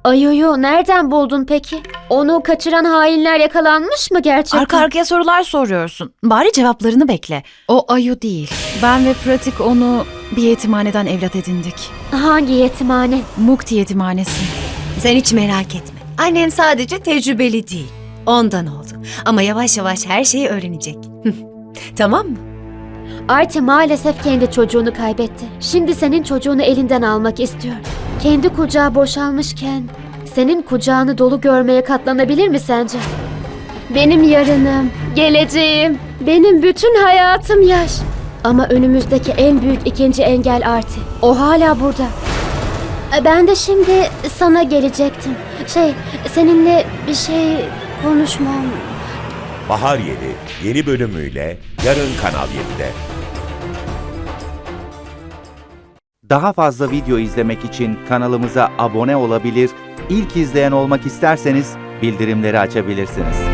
Ayu'yu nereden buldun peki? Onu kaçıran hainler yakalanmış mı gerçekten? Arka arkaya sorular soruyorsun. Bari cevaplarını bekle. O Ayu değil. Ben ve Pratik onu bir yetimhaneden evlat edindik. Hangi yetimhane? Mukti yetimhanesi. Sen hiç merak etme. Annen sadece tecrübeli değil. Ondan oldu. Ama yavaş yavaş her şeyi öğrenecek. Tamam mı? Arti maalesef kendi çocuğunu kaybetti. Şimdi senin çocuğunu elinden almak istiyor. Kendi kucağı boşalmışken senin kucağını dolu görmeye katlanabilir mi sence? Benim yarınım, geleceğim, benim bütün hayatım yaş. Ama önümüzdeki en büyük ikinci engel Arti. O hala burada. Ben de şimdi sana gelecektim. Seninle bir şey konuşmam. Bahar Yeli yeni bölümüyle yarın Kanal 7'de. Daha fazla video izlemek için kanalımıza abone olabilir, ilk izleyen olmak isterseniz bildirimleri açabilirsiniz.